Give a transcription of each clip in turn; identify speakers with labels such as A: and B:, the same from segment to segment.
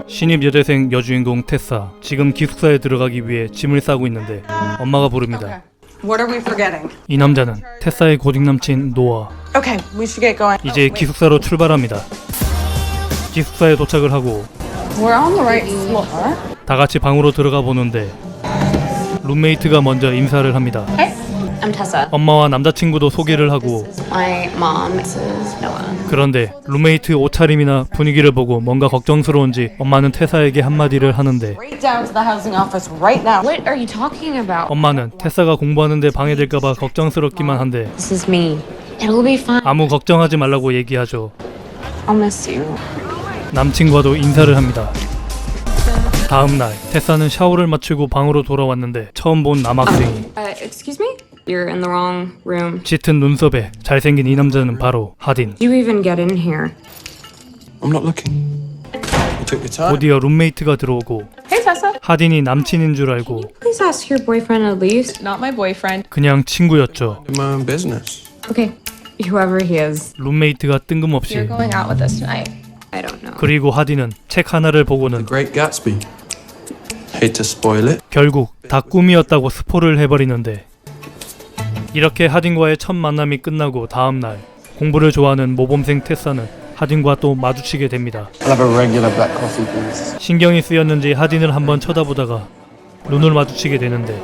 A: 신입 여대생 여주인공 테사, 지금 기숙사에 들어가기 위해 짐을 싸고 있는데 엄마가 부릅니다.
B: What are we forgetting?
A: 이 남자는 테사의 고딩 남친 노아.
B: Okay, we should get going.
A: 이제 기숙사로 출발합니다. 기숙사에 도착을 하고
B: We're on the right floor.
A: 다 같이 방으로 들어가 보는데 룸메이트가 먼저 인사를 합니다.
C: Hey, I'm Tessa.
A: 엄마와 남자친구도 소개를 하고
C: This is my mom. This is Noah.
A: 그런데 룸메이트 옷차림이나 분위기를 보고 뭔가 걱정스러운지 엄마는 테사에게 한마디를 하는데
B: Right down to the housing office right now.
C: What are you talking about?
A: 엄마는 테사가 공부하는데 방해될까봐 걱정스럽기만 한데
C: This is me. It'll be fine.
A: 아무 걱정하지 말라고 얘기하죠.
C: I'll miss you.
A: 남친과도 인사를 합니다. 다음날 테사는 샤워를 마치고 방으로 돌아왔는데 처음 본 남학생이
C: Excuse me? You're in the wrong room.
A: 짙은 눈썹에 잘생긴 이 남자는 바로 하딘.
C: You even get in here.
D: I'm not looking. You took your time.
A: 곧이어 룸메이트가 들어오고
C: Hey, Tessa.
A: 하딘이 남친인 줄 알고
C: Please ask your boyfriend at least.
B: Not my boyfriend.
A: 그냥 친구였죠.
D: In my own business.
C: Okay, whoever he is.
A: 룸메이트가 뜬금없이
B: Going out with us tonight.
C: I don't know.
A: 그리고 하딘은 책 하나를 보고는
D: The Great Gatsby. Hate to spoil it.
A: 결국 다 꿈이었다고 스포를 해버리는데 이렇게 하딘과의 첫 만남이 끝나고 다음날 공부를 좋아하는 모범생 테사는 하딘과 또 마주치게 됩니다.
D: I'll have a regular black coffee, please.
A: 신경이 쓰였는지 하딘을 한번 쳐다보다가 눈을 마주치게 되는데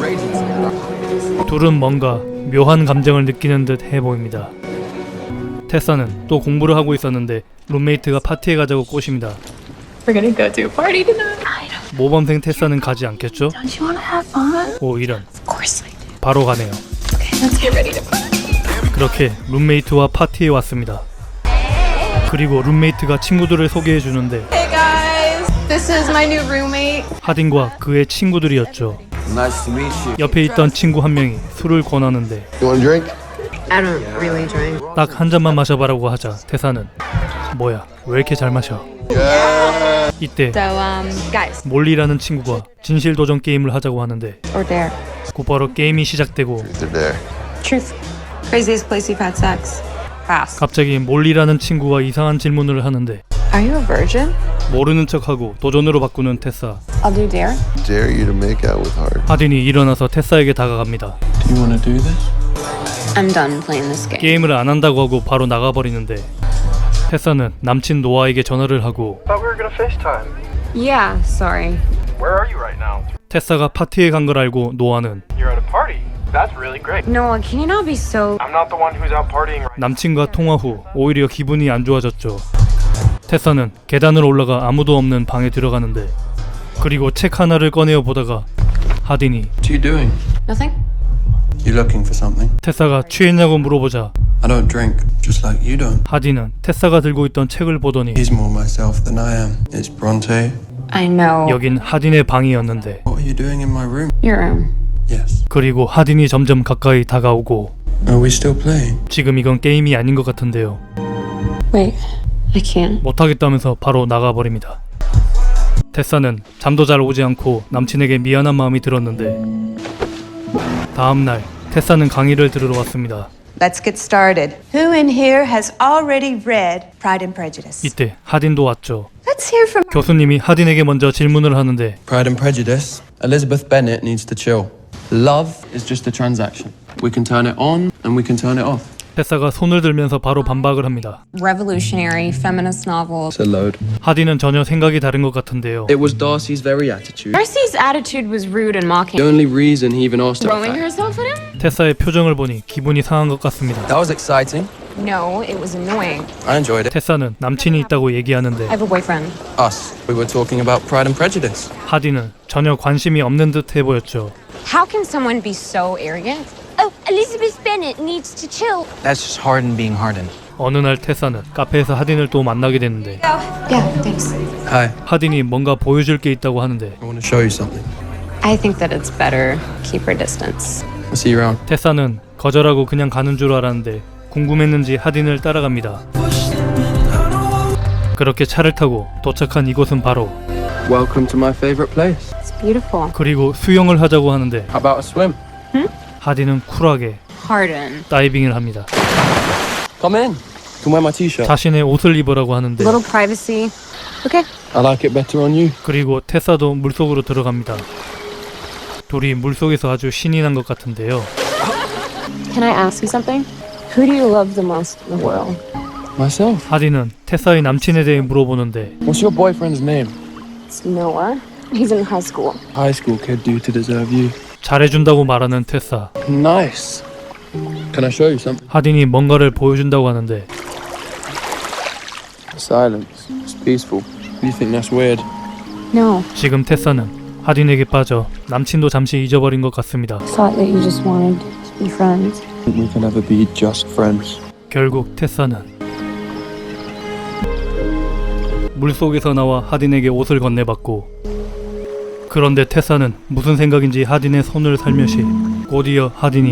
A: 둘은 뭔가 묘한 감정을 느끼는 듯 해 보입니다. 테사는 또 공부를 하고 있었는데 룸메이트가 파티에 가자고 꼬십니다.
B: We're gonna go to a party tonight.
A: 모범생 테사는 가지 않겠죠?
B: Don't you wanna have fun?
A: 오 이런,
B: Of course I do.
A: 바로 가네요.
B: Let's get ready to party.
A: 그렇게 룸메이트와 파티에 왔습니다. 그리고 룸메이트가 친구들을 소개해 주는데
B: Hey guys, this is my new roommate.
A: 하딘과 그의 친구들이었죠.
D: Nice to meet you.
A: 옆에 있던 친구 한 명이 술을 권하는데
D: You want a drink?
C: I don't really drink.
A: 딱 한 잔만 마셔봐라고 하자 테사는 뭐야 왜 이렇게 잘 마셔. 이때
C: So, guys,
A: 몰리라는 친구가 진실 도전 게임을 하자고 하는데
C: or dare.
A: 곧바로 게임이 시작되고
D: They're there.
C: Truth.
B: Craziest place you've had sex. Fast.
A: 갑자기 몰리라는 친구가 이상한 질문을 하는데
B: Are you a virgin?
A: 모르는 척하고 도전으로 바꾸는 테사.
C: I'll do dare.
E: Dare you to make out with Hart.
A: 하딘이 일어나서 테사에게 다가갑니다.
D: Do you want to do this?
C: I'm done playing this game.
A: 게임을 안 한다고 하고 바로 나가버리는데 테사는 남친 노아에게 전화를 하고
F: Thought we were gonna FaceTime.
C: Yeah, sorry.
F: Where are you right now?
A: 테사가 파티에 간 걸 알고 노아는
F: You're at a party. That's really great.
C: Noah, can you not be so...
F: I'm not the one who's out partying right now.
A: 남친과 통화 후 오히려 기분이 안 좋아졌죠. 테사는 계단을 올라가 아무도 없는 방에 들어가는데 그리고 책 하나를 꺼내어 보다가 하딘이
D: What are you doing?
C: Nothing?
D: You looking for something?
A: 테사가 취했냐고 물어보자
D: I don't drink, just like you don't.
A: 하딘은 테사가 들고 있던 책을 보더니
D: He's more myself than I am. It's Bronte.
C: I know.
A: 여긴 하딘의 방이었는데
D: What are you doing in my room?
C: Your room.
D: Yes.
A: 그리고 하딘이 점점 가까이 다가오고
D: Are we still playing?
A: 지금 이건 게임이 아닌 것 같은데요.
C: Wait, I can't.
A: 못하겠다면서 바로 나가버립니다. 테사는 잠도 잘 오지 않고 남친에게 미안한 마음이 들었는데 다음날 테사는 강의를 들으러 왔습니다.
G: Let's get started. Who in here has already read Pride and Prejudice?
A: 이때 하딘도 왔죠.
G: Let's hear from
A: 교수님이 하딘에게 먼저 질문을 하는데
D: Pride and Prejudice. Elizabeth Bennet needs to chill. Love is just a transaction. We can turn it on and we can turn it off.
A: 테사가 손을 들면서 바로 반박을 합니다.
C: Revolutionary feminist novel.
D: It's a load.
A: 하딘은 전혀 생각이 다른 것 같은데요.
D: It was Darcy's very attitude.
C: Darcy's attitude was rude and mocking.
D: The only reason he even asked her.
C: Throwing herself at him?
A: 테사의 표정을 보니 기분이 상한 것 같습니다.
D: That was exciting.
C: No, it was annoying.
D: I enjoyed it.
A: 테사는 남친이 있다고 얘기하는데
C: I have a boyfriend.
D: Us. We were talking about Pride and Prejudice.
A: 하딘은 전혀 관심이 없는 듯해 보였죠.
C: How can someone be so arrogant? Oh, Elizabeth Bennet needs to chill.
H: That's just Harden being Harden.
A: 어느 날 테사는 카페에서 하딘을 또 만나게 됐는데
C: Yeah, thanks.
D: Hi.
A: 하딘이 뭔가 보여줄 게 있다고 하는데
D: I want to show you something.
C: I think that it's better keep her distance.
D: I'll see you around.
A: 테사는 거절하고 그냥 가는 줄 알았는데 궁금했는지 하딘을 따라갑니다. 그렇게 차를 타고 도착한 이곳은 바로
D: Welcome to my favorite place.
C: It's beautiful.
A: 그리고 수영을 하자고 하는데
D: How about a swim?
A: 하딘은 쿨하게
C: Harden.
A: 다이빙을 합니다.
D: Come in. You can wear my t-shirt.
A: 자신의 옷을 입으라고 하는데
C: Little privacy. Okay.
D: I like it better on you.
A: 그리고 테사도 물속으로 들어갑니다. 둘이 물속에서 아주 신이 난 것 같은데요.
C: Can I ask you something? Who do you love the most in the world?
D: Myself.
A: 하딘은 테사의 남친에 대해 물어보는데
D: What's your boyfriend's name?
C: It's Noah. He's in high school.
D: High school kid do to deserve you.
A: 잘해준다고 말하는 테사.
D: Nice. Can I show you something?
A: 하딘이 뭔가를 보여준다고 하는데
D: Silence. It's peaceful. You think that's weird?
C: No.
A: 지금 테사는 하딘에게 빠져 남친도 잠시 잊어버린 것 같습니다.
C: Thought that you just wanted to be friends.
D: I think we can never be just friends.
A: 결국 테사는 물속에서 나와 하딘에게 옷을 건네받고, 그런데 테사는 무슨 생각인지 하딘의 손을 살며시 곧이어 하딘이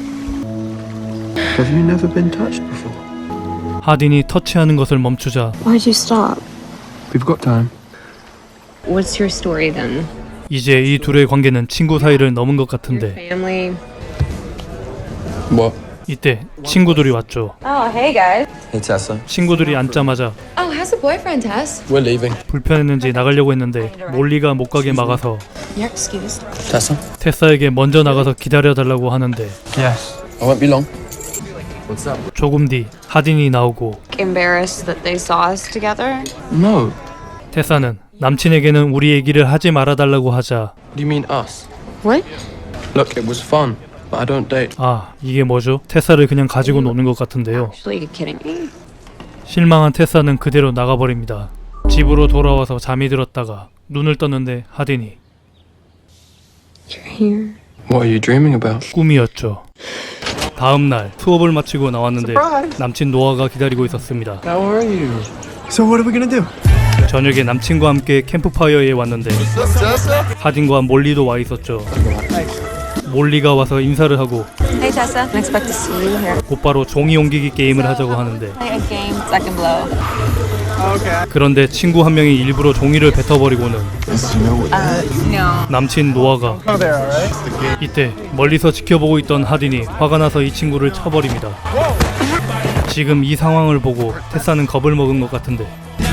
D: Have you never been touched before?
A: 하딘이 터치하는 것을 멈추자
C: Why'd you stop?
D: We've got time.
C: What's your story then?
A: 이제 이 둘의 관계는 친구 사이를 넘은 것 같은데
C: Family.
D: What?
A: 이때 친구들이 왔죠.
B: Oh, hey guys.
D: Hey Tessa.
A: 친구들이 앉자마자
B: Oh, how's the boyfriend, Tess?
D: We're leaving.
A: 불편했는지 나가려고 했는데 몰리가 못 가게 막아서
B: You're excused.
D: Tessa?
A: 테사에게 먼저 나가서 기다려달라고 하는데
D: Yes. I won't be long. What's up?
A: 조금 뒤 하딘이 나오고
C: Embarrassed that they saw us together?
D: No.
A: 테사는 남친에게는 우리 얘기를 하지 말아달라고 하자
D: What do you mean us?
C: What?
D: Look, it was fun, but I don't date.
A: 아, 이게 뭐죠? 테사를 그냥 가지고 노는 것 같은데요.
C: Actually, you're kidding me.
A: 실망한 테사는 그대로 나가버립니다. 집으로 돌아와서 잠이 들었다가 눈을 떴는데 하딘이
C: You're here.
D: What are you dreaming about?
A: 꿈이었죠. 다음 날 수업을 마치고 나왔는데 남친 노아가 기다리고 있었습니다.
D: How are you?
F: So what are we gonna do?
A: 저녁에 남친과 함께 캠프파이어에 왔는데 하딘과 몰리도 와 있었죠. 몰리가 와서 인사를 하고
B: Hey, Tessa. Didn't expect to see you here.
A: 곧바로 종이 옮기기 게임을 하자고 하는데
B: Play a game, second blow.
A: 그런데 친구 한 명이 일부러 종이를 뱉어버리고는
B: No.
A: 남친 노아가 이때 멀리서 지켜보고 있던 하딘이 화가 나서 이 친구를 쳐버립니다. 지금 이 상황을 보고 테사는 겁을 먹은 것 같은데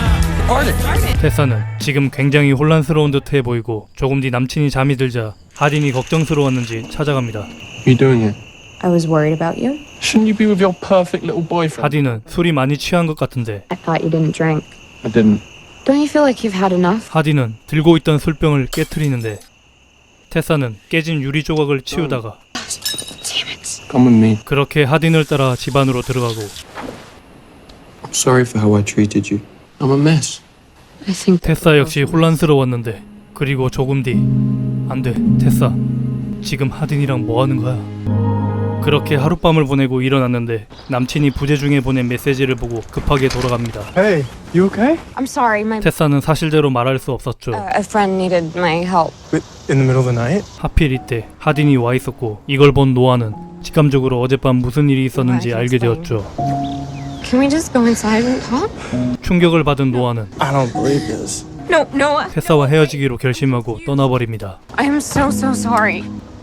A: 테사는 지금 굉장히 혼란스러운 듯해 보이고 조금 뒤 남친이 잠이 들자 하딘이 걱정스러웠는지 찾아갑니다.
D: What are you doing here?
C: I was worried about you.
D: Shouldn't you be with your perfect little boyfriend?
A: 하딘은 술이 많이 취한 것 같은데
C: I thought you didn't drink.
D: I didn't.
C: Don't you feel like you've had enough?
A: 하딘은 들고 있던 술병을 깨트리는데 테사는 깨진 유리 조각을 치우다가
D: Come with me.
A: 그렇게 하딘을 따라 집 안으로 들어가고
D: I'm sorry for how I treated you. I'm a mess.
C: I think
A: 테사 역시 혼란스러웠는데 그리고 조금 뒤 안돼 테사 지금 하딘이랑 뭐하는 거야? 그렇게 하룻밤을 보내고 일어났는데 남친이 부재 중에 보낸 메시지를 보고 급하게 돌아갑니다.
F: Hey, you okay?
C: I'm sorry. My
A: 테사는 사실대로 말할 수 없었죠.
C: a friend needed my help.
F: In the middle of the night?
A: 하필 이때 하딘이 와 있었고 이걸 본 노아는 직감적으로 어젯밤 무슨 일이 있었는지 알게 되었죠.
C: Can we just go inside and talk?
A: 충격을 받은 노아는
F: I don't believe this.
C: No, Noah.
A: 테사와 헤어지기로 결심하고 떠나버립니다.
C: I am so sorry.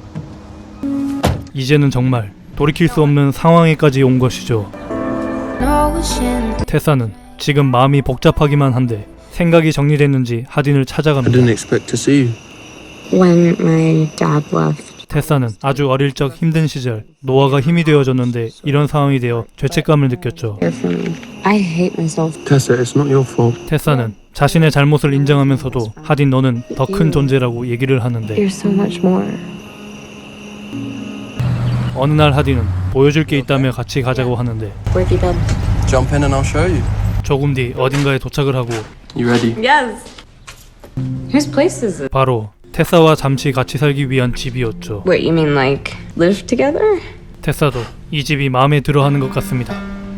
A: 이제는 정말 돌이킬 수 없는 상황에까지 온 것이죠. 테사는 지금 마음이 복잡하기만 한데 생각이 정리됐는지 하딘을
D: I
A: 찾아갑니다.
D: didn't expect to see you.
C: When my dad left,
A: 테사는 아주 어릴 적 힘든 시절 노아가 힘이 되어줬는데 이런 상황이 되어 죄책감을 느꼈죠.
C: care for me. I hate myself.
D: Tessa, it's not your fault.
A: 테사는 자신의 잘못을 인정하면서도 하딘 너는 더 큰 존재라고 얘기를 하는데
C: You're so much more.
A: 어느 날 하딘은 보여줄 게 있다며 같이 가자고 하는데
C: Where'd you go?
D: Jump in and I'll show you.
A: 조금 뒤 어딘가에 도착을 하고
D: You ready?
B: Yes.
C: Whose place is it?
A: 바로 테사와 잠시 같이 살기 위한 집이었죠.
C: Wait, you mean like live together?
A: 테사도 이 집이 마음에 들어하는 것 같습니다.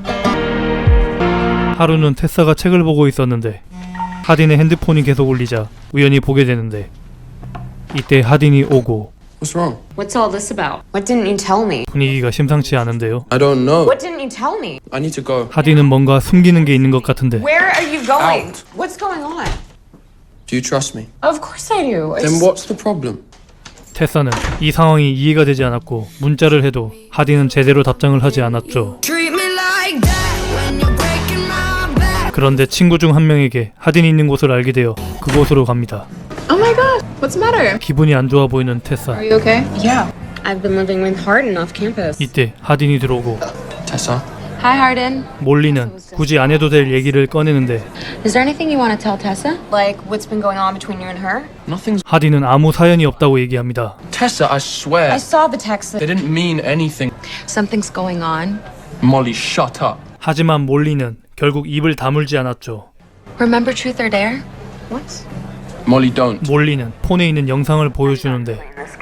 A: 하루는 테사가 책을 보고 있었는데 하딘의 핸드폰이 계속 울리자 우연히 보게 되는데 이때 하딘이 오고
D: What's wrong?
C: What's all this about? What didn't you tell me?
A: 분위기가 심상치 않은데요.
D: I don't know.
C: What didn't you tell me?
D: I need to go.
A: 하딘은 뭔가 숨기는 게 있는 것 같은데
C: Where are you going?
D: Out.
C: What's going on?
D: Do you trust me?
C: Of course I do.
D: Then what's the problem?
A: 테사는 이 상황이 이해가 되지 않았고 문자를 해도 하딘은 제대로 답장을 하지 않았죠. 그런데 친구 중 한 명에게 하딘이 있는 곳을 알게 되어 그곳으로 갑니다.
H: Oh my god, what's the matter?
A: 기분이 안 좋아 보이는 테사.
H: Are you okay?
C: Yeah. I've been living with Hardin off campus.
A: 이때 하딘이 들어오고
D: Tessa,
B: Hi, Hardin.
A: 몰리는 굳이 안 해도 될 얘기를 꺼내는데
B: Is there anything you want to tell Tessa?
C: Like, what's been going on between you and her?
D: nothing's.
A: 하딘은 아무 사연이 없다고 얘기합니다.
D: Tessa, I swear.
C: I saw the text that
D: They didn't mean anything.
B: Something's going on.
D: Molly, shut up.
A: 하지만 몰리는 결국 입을 다물지 않았죠.
B: Remember Truth or Dare?
C: what?
D: Molly, don't.
A: 몰리는 폰에 있는 영상을 보여주는데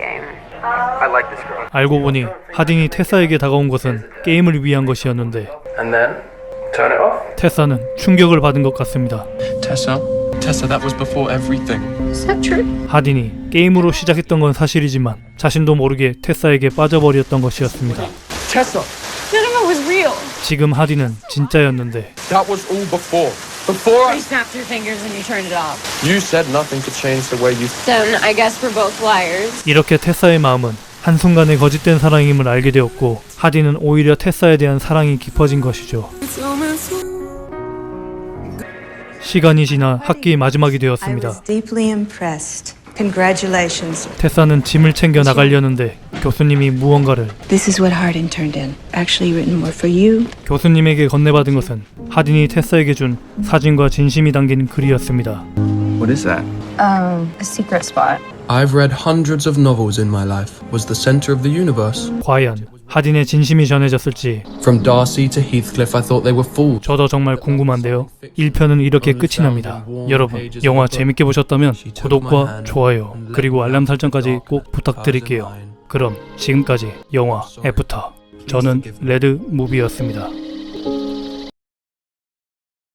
A: 알고 보니 하딘이 테사에게 다가온 것은 게임을 위한 것이었는데
D: And then turn it off.
A: 테사는 충격을 받은 것 같습니다.
D: Tessa, that was before everything.
H: Is that true?
A: 하딘이 게임으로 시작했던 건 사실이지만 자신도 모르게 테사에게 빠져버렸던 것이었습니다.
D: Tessa,
C: None of it was real.
A: 지금 하딘은 진짜였는데
D: that was all before. Before
C: You snapped your fingers and you turned it off.
D: you said nothing could change the way you.
C: Then I guess we're both liars.
A: 이렇게 테사의 마음은 한순간에 거짓된 사랑임을 알게 되었고 하딘은 오히려 테사에 대한 사랑이 깊어진 것이죠. 시간이 지나 학기 마지막이
G: I
A: 되었습니다.
G: was deeply impressed. Congratulations.
A: 테사는 짐을 챙겨 나가려는데 교수님이 무언가를
G: This is what Hardin turned in. Actually written more for you.
A: 교수님에게 건네받은 것은 하딘이 테사에게 준 사진과 진심이 담긴 글이었습니다.
D: What is that?
B: A secret spot.
D: I've read hundreds of novels in my life. Was the center of the universe.
A: 과연 하딘의 진심이 전해졌을지
D: From Darcy to Heathcliff, I thought they were fools.
A: 저도 정말 궁금한데요. 1편은 이렇게 끝이 납니다. 여러분, 영화 재밌게 보셨다면 구독과 좋아요 그리고 알람 설정까지 꼭 부탁드릴게요. 그럼 지금까지 영화 애프터, 저는 레드 무비였습니다.